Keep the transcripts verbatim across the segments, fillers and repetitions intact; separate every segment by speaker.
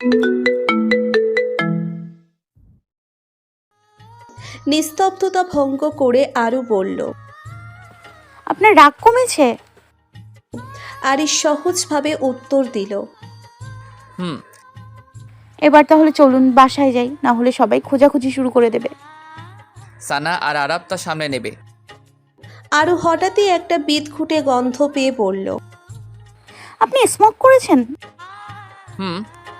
Speaker 1: নিস্তব্ধতা ভঙ্গ করে আরু বলল,
Speaker 2: আপনার রাগ কমেছে?
Speaker 1: আরিশ সহজভাবে উত্তর দিল,
Speaker 3: হুম।
Speaker 2: এবার তাহলে চলুন বাসায় যাই, না হলে সবাই খোঁজাখুঁজি শুরু করে দেবে।
Speaker 3: সানা আর আরাব তা সামনে নেবে।
Speaker 1: আরু হঠাৎই একটা বিদঘুটে গন্ধ পেয়ে বলল,
Speaker 2: আপনি স্মোক করেছেন?
Speaker 3: হুম।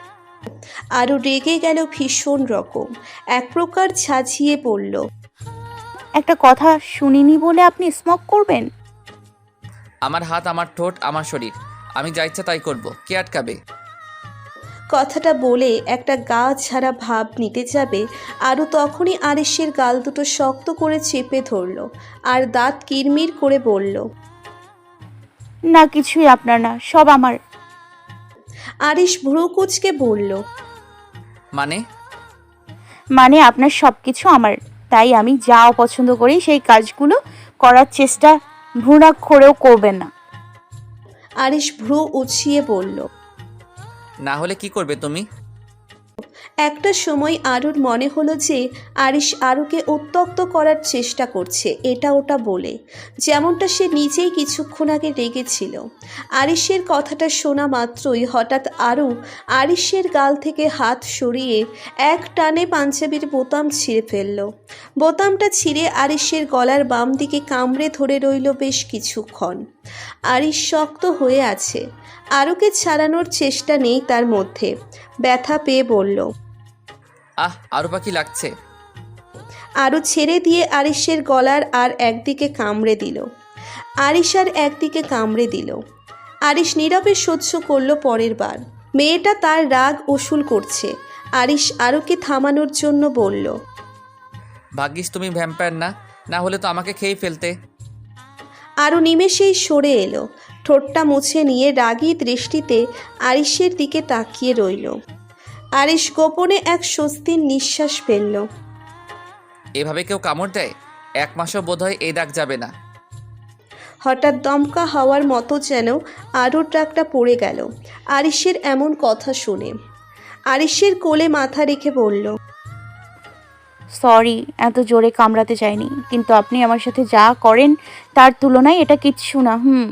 Speaker 1: আরু রেগে গেল ভীষণ রকম, এক প্রকার ঝাঁঝিয়ে পড়ল,
Speaker 2: একটা কথা শুনিনি বলে আপনি স্মোক করবেন?
Speaker 3: আমার হাত, আমার ঠোঁট, আমার শরীর, আমি যা ইচ্ছা তাই করব, কে আটকাবে?
Speaker 1: কথাটা বলে একটা গা ছাড়া ভাব নিতে যাবে আরু তখনই আরিশের গাল দুটো শক্ত করে চেপে ধরল আর দাঁত কিরমির করে বলল,
Speaker 2: না কিছুই আপনার না, সব আমার।
Speaker 1: আরিশ ভ্রু কুঁচকে বলল,
Speaker 3: মানে?
Speaker 2: মানে আপনার সব কিছু আমার, তাই আমি যা অপছন্দ করি সেই কাজগুলো করার চেষ্টা ভ্রূণাক্ষরেও করবেন না।
Speaker 1: আরিশ ভ্রু উছিয়ে বলল।
Speaker 3: না হলে কি করবে তুমি?
Speaker 1: একটা সময় আরুর মনে হলো যে আরিশ আরুকে উত্ত্যক্ত করার চেষ্টা করছে এটা ওটা বলে, যেমনটা সে নিজেই কিছুক্ষণ আগে রেগেছিল। আরিশের কথাটা শোনা মাত্রই হঠাৎ আরু আরিশের গাল থেকে হাত সরিয়ে এক টানে পাঞ্জাবির বোতাম ছিঁড়ে ফেলল। বোতামটা ছিঁড়ে আরিশের গলার বাম দিকে কামড়ে ধরে রইল বেশ কিছুক্ষণ। আরিশ শক্ত হয়ে আছে, আরুকে ছাড়ানোর চেষ্টা নেই তার মধ্যে। ব্যথা পেয়ে বলল,
Speaker 3: আহ, আরও পাখি লাগছে।
Speaker 1: আরু ছেড়ে দিয়ে আরিশের গলার আর একদিকে কামড়ে দিল। আরিশ আর একদিকে কামড়ে দিল। আরিশ নীরবে সহ্য করলো পরের বার। মেয়েটা তার রাগ উসুল করছে। আরিশ আরুকে থামানোর জন্য বলল,
Speaker 3: ভাগ্যিস তুমি ভ্যাম্পায়ার না, না হলে তো আমাকে খেয়ে ফেলতে।
Speaker 1: আরু নিমেষেই সরে এলো, ঠোঁটটা মুছে নিয়ে রাগী দৃষ্টিতে আরিশের দিকে তাকিয়ে রইল। আরিশ গোপনে এক স্বস্তির নিঃশ্বাস ফেলল।
Speaker 3: এভাবে কেউ কামড় দেয়? এক মাসও বোধহয় এই দাগ যাবে না।
Speaker 1: হঠাৎ দমকা হওয়ার মতো যেন আরুর ডাকটা পড়ে গেল আরিশের এমন কথা শুনে। আরিশের কোলে মাথা রেখে বলল,
Speaker 2: সরি, এত জোরে কামড়াতে চাইনি, কিন্তু আপনি আমার সাথে যা করেন তার তুলনায় এটা কিচ্ছু না। হুম।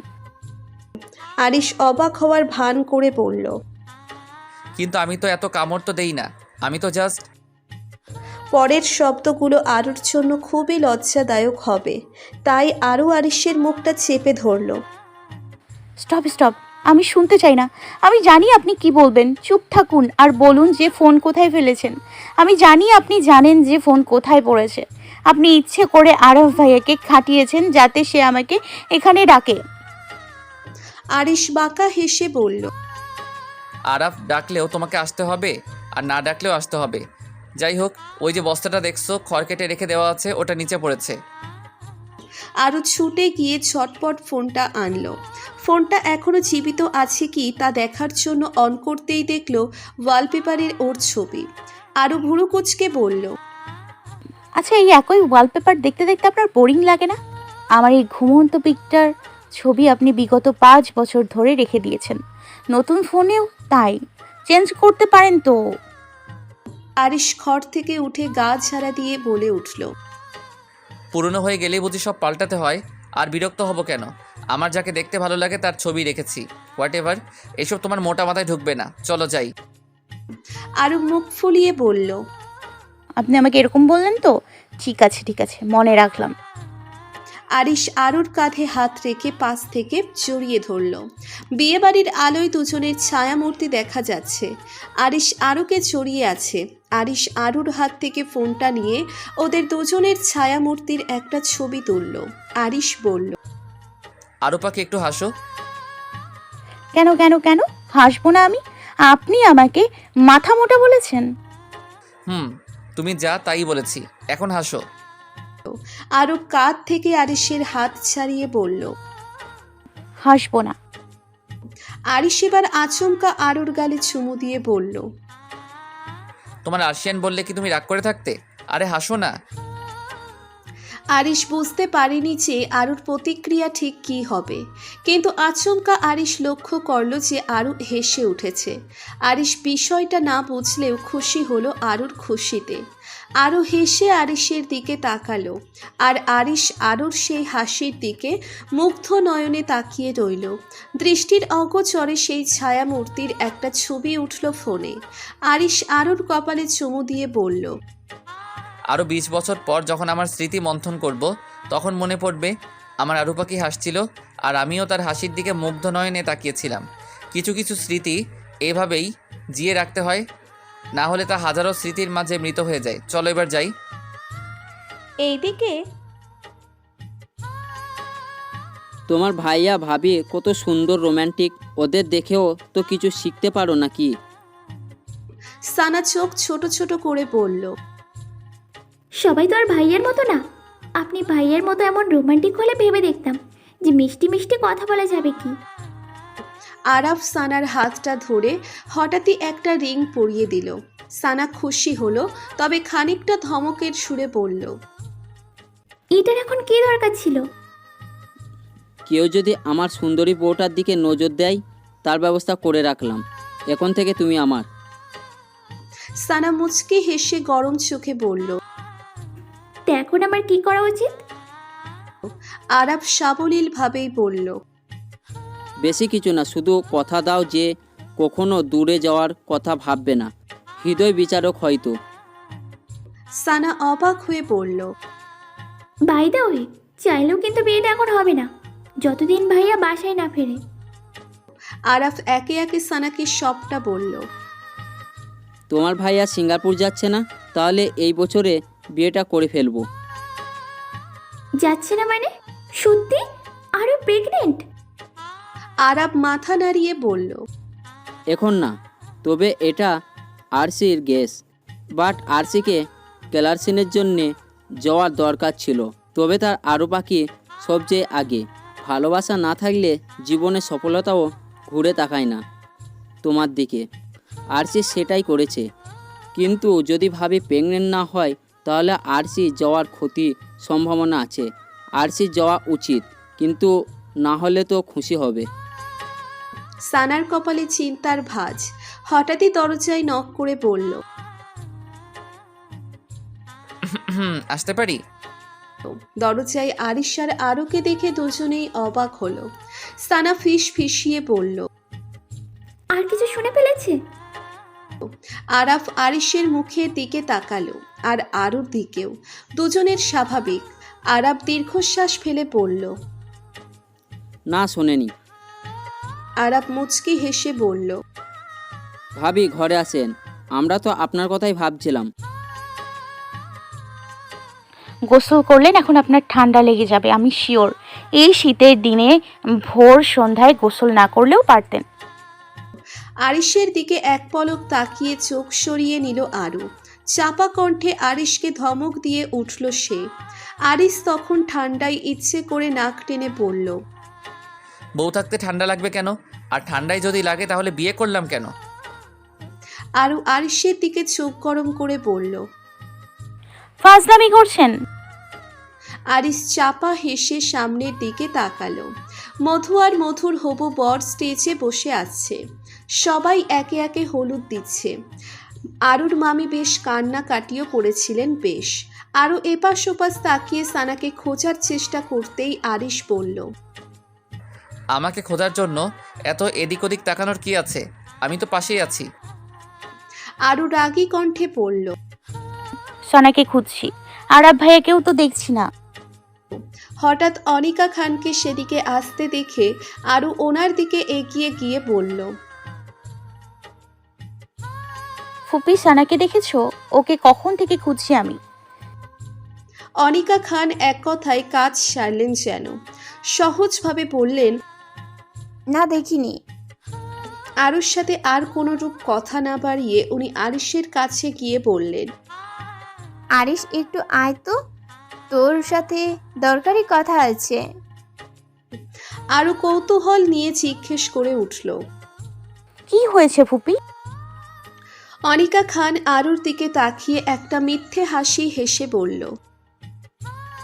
Speaker 1: আরিশ অবাক হওয়ার ভান করে বলল,
Speaker 3: কিন্তু আমি তো এত কামড় তো দেই না, আমি তো জাস্ট।
Speaker 1: পরের শব্দগুলো আরুর জন্য খুবই লজ্জাদায়ক হবে, তাই আরও আরিশের মুখটা চেপে ধরল।
Speaker 2: স্টপ স্টপ, আমি শুনতে চাই না। আমি জানি আপনি কি বলবেন, চুপ থাকুন আর বলুন যে ফোন কোথায় ফেলেছেন। আমি জানি আপনি জানেন যে ফোন কোথায় পড়েছে। আপনি ইচ্ছে করে আরফ ভাইয়াকে খাটিয়েছেন যাতে সে আমাকে এখানে ডাকে।
Speaker 1: আরিশ বাঁকা হেসে বলল,
Speaker 3: আরাফ ডাকলেও তোমাকে আসতে হবে, আর না ডাকলেও আসতে হবে। যাই হোক, ওই যে বস্তাটা দেখছো খড় কেটে রেখে দেওয়া আছে, ওটা নিচে পড়েছে।
Speaker 1: আরও ছুটে গিয়ে ঝটপট ফোনটা আনলো। ফোনটা এখনো জীবিত আছে কি তা দেখার জন্য অন করতেই দেখলো ওয়ালপেপারের ওর ছবি। আরও ভুরু কুচকে বলল,
Speaker 2: আচ্ছা, এই একই ওয়ালপেপার দেখতে দেখতে আপনার বোরিং লাগে না? আমার এই ঘুমন্ত পিকটার ছবি আপনি বিগত পাঁচ বছর ধরে রেখে দিয়েছেন, নতুন ফোনেও তাই। চেঞ্জ করতে পারেন তো।
Speaker 1: আরিশ ঘর থেকে উঠে গা ঝাড়া দিয়ে বলে উঠল,
Speaker 3: পুরনো হয়ে গেলেই বুঝি সব পাল্টাতে হয়? আর বিরক্ত হব কেন? আমার যাকে দেখতে ভালো লাগে তার ছবি রেখেছি। হোয়াট এভার, এসব তোমার মোটা মাথায় ঢুকবে না, চলো যাই।
Speaker 1: আরও মুখ ফুলিয়ে বলল,
Speaker 2: আপনি আমাকে এরকম বললেন তো? ঠিক আছে ঠিক আছে, মনে রাখলাম।
Speaker 1: আরিশ আরুর কাঁধে হাত রেখে পাশ থেকে জড়িয়ে ধরল। বিয়েবাড়ির আলোয় দুজনের ছায়ামূর্তি দেখা যাচ্ছে। আরিশ আরুকে জড়িয়ে আছে। আরিশ আরুর হাত থেকে ফোনটা নিয়ে ওদের দুজনের ছায়ামূর্তির একটা ছবি তুলল। আরিশ বলল,
Speaker 3: আরও পাখি একটু হাসো।
Speaker 2: কেন কেন কেন হাসবো না আমি? আপনি আমাকে মাথা মোটা বলেছেন।
Speaker 3: হুম, তুমি যা তাই বলেছি, এখন হাসো।
Speaker 1: আরু কাঁধ থেকে আরিশের হাত ছাড়িয়ে বলল।
Speaker 2: হাসবো না।
Speaker 1: আরিশ এবার আচমকা আরুর গালে চুমু দিয়ে বলল,
Speaker 3: তোমার আর্শিয়ান বললে কি তুমি রাগ করে থাকতে? আরে হাসো না।
Speaker 1: আরিশ বুঝতে পারেনি যে আরুর প্রতিক্রিয়া ঠিক কী হবে, কিন্তু আচমকা আরিশ লক্ষ্য করল যে আরু হেসে উঠেছে। আরিশ বিষয়টা না বুঝলেও খুশি হলো আরুর খুশিতে। আরু হেসে আরিশের দিকে তাকালো, আর আরিশ আরুর সেই হাসির দিকে মুগ্ধ নয়নে তাকিয়ে রইল। দৃষ্টির অগোচরে সেই ছায়ামূর্তির একটা ছবি উঠল ফোনে। আরিশ আরুর কপালে চুমু দিয়ে বলল,
Speaker 3: আরও বিশ বছর পর যখন আমার স্মৃতি মন্থন করব, তখন মনে পড়বে আমার আরু পাখি হাসছিল আর আমিও তার হাসির দিকে মুগ্ধ নয়নে তাকিয়েছিলাম। কিছু কিছু স্মৃতি এভাবেই জিয়ে রাখতে হয়, না হলে তা হাজারো স্মৃতির মাঝে মৃত হয়ে যায়। চলো এবার যাই।
Speaker 1: এইদিকে
Speaker 4: তোমার ভাইয়া ভাবি কত সুন্দর রোম্যান্টিক, ওদের দেখেও তো কিছু শিখতে পারো নাকি?
Speaker 1: সানা চোখ ছোট ছোট করে বলল,
Speaker 5: সবাই তো আর ভাইয়ের মতো না। আপনি ভাইয়ের মতো এমন রোমান্টিক হলে ভেবে দেখতাম যে মিষ্টি মিষ্টি কথা বলা যাবে কি।
Speaker 1: আরাফ সানার হাতটা ধরে হঠাৎই একটা রিং পরিয়ে দিল। সানা খুশি হলো, তবে খানিকটা ধমকের সুরে বলল,
Speaker 5: এটার এখন কি দরকার ছিল?
Speaker 4: কেউ যদি আমার সুন্দরী বউটার দিকে নজর দেয়, তার ব্যবস্থা করে রাখলাম। এখন থেকে তুমি আমার।
Speaker 1: সানা মুচকি হেসে গরম চোখে বলল।
Speaker 5: তো এখন আমার কি করা উচিত?
Speaker 1: আরাফ সাবলীল ভাবেই বলল,
Speaker 4: বেশি কিছু না, শুধু কথা দাও যে কখনো দূরে যাওয়ার কথা ভাববে না। হৃদয় বিচারক হয়তো।
Speaker 1: সানা অবাক হয়ে বলল,
Speaker 5: বাই দা ওয়ে, চাইলেও কিন্তু বিয়েটা এখন হবে না, যতদিন ভাইয়া বাসায় না ফেরে।
Speaker 1: আরাফ একে একে সানাকে সবটা বলল।
Speaker 4: তোমার ভাইয়া সিঙ্গাপুর যাচ্ছে না? তাহলে এই বছরে বিয়েটা করে ফেলবো।
Speaker 5: যাচ্ছে না মানে? সত্যি? আরো প্রেগনেন্ট?
Speaker 1: আরাফ মাথা নাড়িয়ে বলল,
Speaker 4: এখন না, তবে এটা আরসির গেস। বাট আরসিকে ক্লার্সিনের জন্যে যাওয়ার দরকার ছিল, তবে তার আরও পাখি সবচেয়ে আগে। ভালোবাসা না থাকলে জীবনে সফলতাও ঘুরে তাকায় না তোমার দিকে। আরসি সেটাই করেছে। কিন্তু যদি ভাবি প্রেগনেন্ট না হয়, তাহলে আরসি যাওয়ার ক্ষতি সম্ভাবনা আছে। আরসি যাওয়া উচিত, কিন্তু না হলে তো খুশি হবে।
Speaker 1: সানার কপালে চিন্তার ভাঁজ। হঠাৎই দরজায় নক করে বলল,
Speaker 3: হুম আসতে পারি?
Speaker 1: দরজায় আরিশ আর আরুকে দেখে দুজনেই অবাক হলো। সানা ফিস ফিসিয়ে বলল,
Speaker 5: আর কিছু শুনে ফেলেছে?
Speaker 1: আরাফ আরিশের মুখের দিকে তাকালো, আর আরুর দিকেও। দুজনের স্বাভাবিক। আরাফ দীর্ঘশ্বাস ফেলে পড়ল।
Speaker 4: না, শোনেনি।
Speaker 1: আরাফ মুচকি হেসে বলল,
Speaker 4: ভাবি ঘরে আসেন, আমরা তো আপনার কথাই ভাবছিলাম।
Speaker 2: গোসল করলেন, এখন আপনার ঠান্ডা লেগে যাবে আমি শিওর। এই শীতের দিনে ভোর সন্ধ্যায় গোসল না করলেও পারতেন।
Speaker 1: আরিশের দিকে এক পলক তাকিয়ে চোখ সরিয়ে নিল আরু। চাপা কণ্ঠে আরিশকে ধমক দিয়ে উঠল সে। আরিশ তখন ঠান্ডায় ইচ্ছে করে নাক টেনে পড়ল,
Speaker 3: বউ থাকতে ঠান্ডা লাগবে কেন? আর ঠান্ডায় যদি লাগে তাহলে বিয়ে করলাম কেন?
Speaker 1: আরু আরিশের দিকে চোখ গরম করে বলল।
Speaker 2: ফাজলামি করছেন?
Speaker 1: আরিশ চাপা হেসে সামনের দিকে তাকালো। মধু আর মধুর হবু বর স্টেজে বসে আছে। সবাই একে একে হলুদ দিচ্ছে। আরুর মামি বেশ কান্না কাটিও করেছিলেন বেশ। আরও এপাশ ওপাশ তাকিয়ে সানাকে খোঁজার চেষ্টা করতেই আরিশ বলল,
Speaker 3: আমাকে খোঁজার জন্য এত এদিক ওদিক তাকানোর কি আছে? আমি তো পাশেই আছি।
Speaker 1: আরু রাগী কণ্ঠে পড়ল,
Speaker 2: সোনাকে খুঁজছি, আরাব ভাইয়াকেও তো দেখছি না।
Speaker 1: হঠাৎ অনিকা খানকে সেদিকে আসতে দেখে আরু ওনার দিকে এগিয়ে গিয়ে বলল,
Speaker 2: ফুপি সানাকে দেখেছো? ওকে কখন থেকে খুঁজছি আমি।
Speaker 1: অনিকা খান এক কথায় কাজ সারলেন যেন। সহজভাবে বললেন,
Speaker 6: না দেখিনি।
Speaker 1: আরুর সাথে আর কোনো রূপ কথা না বাড়িয়ে উনি আরিশের কাছে গিয়ে বললেন,
Speaker 6: আরিশ একটু আয় তো, তোর সাথে দরকারি কথা আছে।
Speaker 1: আরু কৌতূহল নিয়ে জিজ্ঞেস করে উঠল।
Speaker 2: কি হয়েছে ফুপি?
Speaker 1: অনিকা খান আরুর দিকে তাকিয়ে একটা মিথ্যে হাসি হেসে বলল,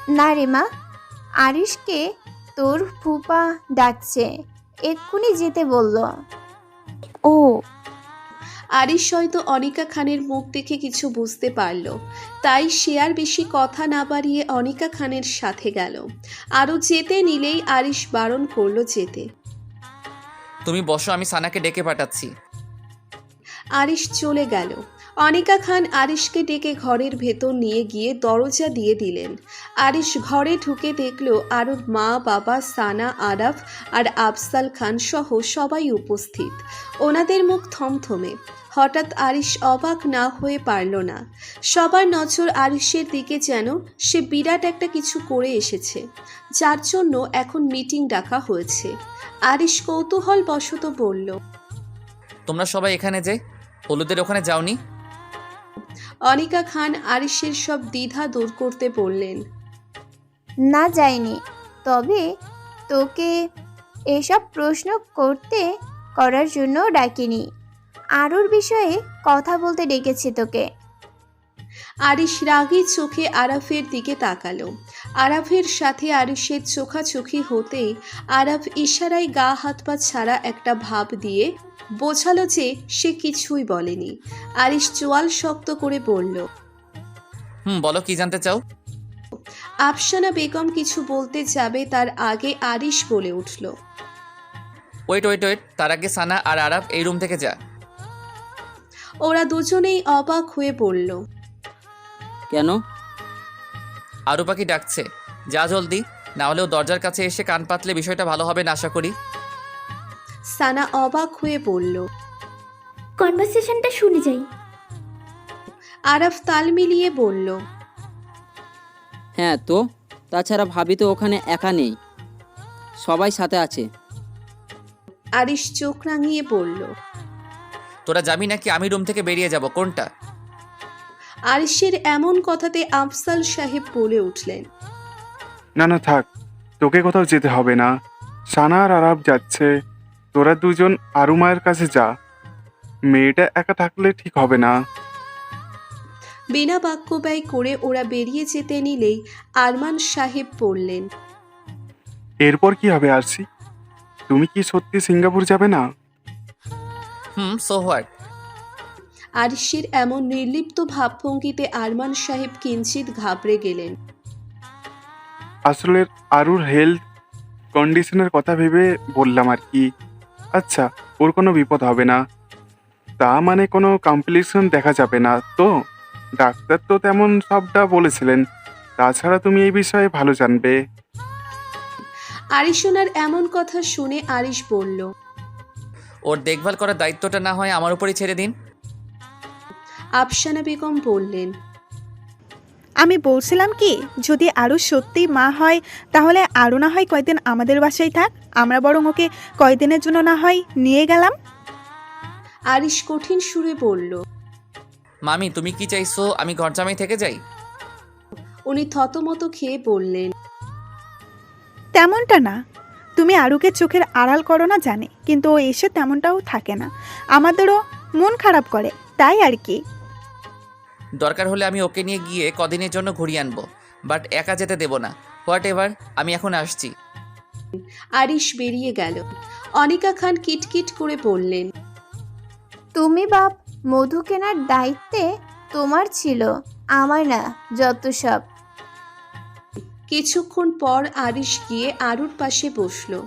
Speaker 6: না রে মা, আরিশকে তোর ফুপা ডাকছে, এক্ষুনি যেতে বলল।
Speaker 2: ও
Speaker 1: আরিশ হয়তো অনিকা খানের মুখ দেখে কিছু বুঝতে পারল, তাই সে আর বেশি কথা না বাড়িয়ে অনিকা খানের সাথে গেল। আরও যেতে নিলেই আরিশ বারণ করলো যেতে।
Speaker 3: তুমি বসো, আমি সানাকে ডেকে পাঠাচ্ছি।
Speaker 1: আরিশ চলে গেল। অনিকা খান আরিশকে ডেকে ঘরের ভেতর নিয়ে গিয়ে দরজা দিয়ে দিলেন। আরিশ ঘরে ঢুকে দেখল আরুর মা, বাবা, সানা, আরাফ আর আফজাল খান সহ সবাই উপস্থিত। ওনাদের মুখ থমথমে। হঠাৎ আরিশ অবাক না হয়ে পারল না। সবার নজর আরিশের দিকে, যেন সে বিরাট একটা কিছু করে এসেছে, যার জন্য এখন মিটিং ডাকা হয়েছে। আরিশ কৌতূহল বশত বলল,
Speaker 3: তোমরা সবাই এখানে যে হলুদের ওখানে যাওনি?
Speaker 1: অনিকা খান আরিশের সব দ্বিধা দূর করতে বললেন,
Speaker 6: না যাইনি, তবে তোকে এসব প্রশ্ন করতে করার জন্য ডাকিনি, আরুর বিষয়ে কথা বলতে ডেকেছি তোকে।
Speaker 1: আরিশ রাগী চোখে আরাফের দিকে তাকালো। আরাফের সাথে আরিশের চোখাচোখি হতেই আরাফ ইশারায় গা হাত পা ছাড়া একটা ভাব দিয়ে বোঝালো যে সে কিছুই বলেনি। আরিশ চোয়াল শক্ত করে বলল,
Speaker 3: হুম, বলো কি জানতে চাও?
Speaker 1: আফসানা বেগম কিছু বলতে যাবে, তার আগে আরিশ বলে উঠল,
Speaker 3: ওয়েট ওয়েট ওয়েট তার আগে সানা আর আরাফ এই রুম থেকে যা।
Speaker 1: ওরা দুজনেই অবাক হয়ে বলল,
Speaker 4: কেন?
Speaker 3: আরু পাখি ডাকছে, যা জলদি, না হলেও দরজার কাছে এসে কান পাতলে বিষয়টা ভালো হবে না আশা করি।
Speaker 1: সানা অবাক হয়ে বলল।
Speaker 5: কনভারসেশনটা শুনে যাই।
Speaker 1: আরাফ তাল মিলিয়ে বলল,
Speaker 4: হ্যাঁ তো, তাছাড়া ভাবি তো ওখানে একা নেই, সবাই সাথে আছে।
Speaker 1: আরিশ চোখ রাঙিয়ে বলল।
Speaker 3: তোরা যাবি নাকি আমি রুম থেকে বেরিয়ে যাব, কোনটা?
Speaker 1: আরিশের এমন কথাতে আফজাল সাহেব বলে উঠলেন,
Speaker 7: না না থাক, তোকে কোথাও যেতে হবে না। সানা আর আরাব যাচ্ছে, তোরা দুজন আরু মায়ের কাছে যা। মেয়েটা একা থাকলে ঠিক হবে না।
Speaker 1: বিনা বাক্য ব্যয় করে ওরা বেরিয়ে যেতে নিলেই আরমান সাহেব বললেন,
Speaker 7: এরপর কি হবে আরসি? তুমি কি সত্যি সিঙ্গাপুর যাবে না?
Speaker 3: হুম, সো হোয়াট?
Speaker 1: আরিশের এমন নির্লিপ্ত ভাবভঙ্গিতে আরমান সাহেব কিঞ্চিত ঘাবড়ে গেলেন।
Speaker 7: আসলে আরুর হেলথ কন্ডিশনের কথা ভেবে বললাম আর কি। আচ্ছা, ওর কোনো বিপদ হবে না, তা মানে কোনো কমপ্লিকেশন দেখা যাবে না তো? ডাক্তার তো তেমন সবটা বলেছিলেন, তাছাড়া তুমি এই বিষয়ে ভালো জানবে।
Speaker 1: আরিশোনার এমন কথা শুনে আরিশ বলল,
Speaker 3: ওর দেখভাল করার দায়িত্বটা না হয় আমার উপরই ছেড়ে দিন।
Speaker 1: আফসানা বেগম বললেন,
Speaker 8: আমি বলছিলাম কি, যদি আরও সত্যি মা হয় তাহলে আরও না হয় কয়দিন আমাদের বাসায় থাক, আমরা বরং ওকে কয়দিনের জন্য না হয় নিয়ে গেলাম।
Speaker 1: আরিশ কঠিন সুরে বলল।
Speaker 3: মামি, তুমি কি চাইছো আমি ঘর জামাই থেকে যাই?
Speaker 1: উনি থতমত খেয়ে বললেন,
Speaker 8: তেমনটা না, তুমি আরুকে চোখের আড়াল করো না জানে, কিন্তু ও এসে তেমনটাও থাকে না, আমাদেরও মন খারাপ করে, তাই আর কি।
Speaker 3: দরকার হলে আমি ওকে নিয়ে গিয়ে কদিনের জন্য ঘুরিয়ে আনবো, বাট একা যেতে দেব না। হোয়াট এভার, আমি এখন আসছি।
Speaker 1: আরিশ বেরিয়ে গেল। অনিকা খান কিটকিট করে বললেন,
Speaker 6: তুমি বাপ, মধু কেনার দায়িত্বে তোমার ছিল, আমার না যত সব।
Speaker 1: কিছুক্ষণ পর আরিশ গিয়ে আরুর পাশে বসলো।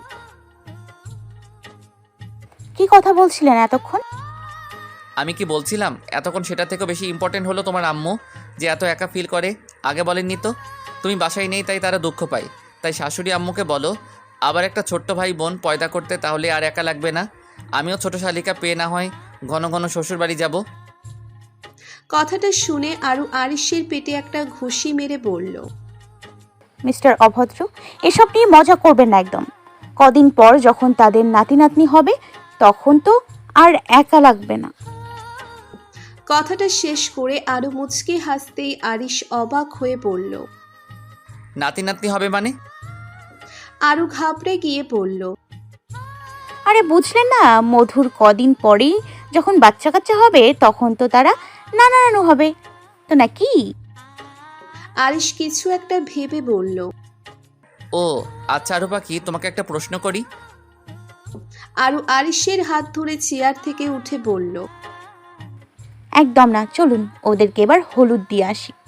Speaker 2: কি কথা বলছিলেন এতক্ষণ?
Speaker 3: আমি কি বলছিলাম এতক্ষণ সেটা থেকেও বেশি ইম্পর্টেন্ট হলো তোমার আম্মু যে এত একা ফিল করে। আগে বলেননি তো? তুমি বাসায় নেই তাই তারা দুঃখ পায়, তাই শাশুড়ি আম্মুকে বলো আবার একটা ছোট্ট ভাই বোন পয়দা করতে, তাহলে আর একা লাগবে না। আমিও ছোট শালিকা পেয়ে না হয় ঘন ঘন শ্বশুর বাড়ি যাব।
Speaker 1: কথাটা শুনে আরু আরিশের পেটে একটা ঘুষি মেরে বলল,
Speaker 2: মিস্টার অভদ্র, এসব নিয়ে মজা করবেন না একদম। কদিন পর যখন তাদের নাতি নাতনি হবে তখন তো আর একা লাগবে না।
Speaker 1: কথাটা শেষ করে আরু মুচকে হাসতেই আরিশ অবাক হয়ে বলল।
Speaker 3: নাতি নাতনি হবে মানে?
Speaker 1: আরু ঘাবড়ে গিয়ে বলল,
Speaker 2: আরে বুঝলেন না, মধুর কদিন পরেই যখন বাচ্চা কাচ্চা হবে তখন তো তারা নানা নানু হবে তো নাকি?
Speaker 1: আরিশ কিছু একটা ভেবে বলল।
Speaker 3: ও আচ্ছা আরু পাখি, তোমাকে একটা প্রশ্ন করি।
Speaker 1: আরু আরিশের হাত ধরে চেয়ার থেকে উঠে বলল।
Speaker 2: একদম না, চলুন ওদেরকে এবার হলুদ দিয়ে আসি।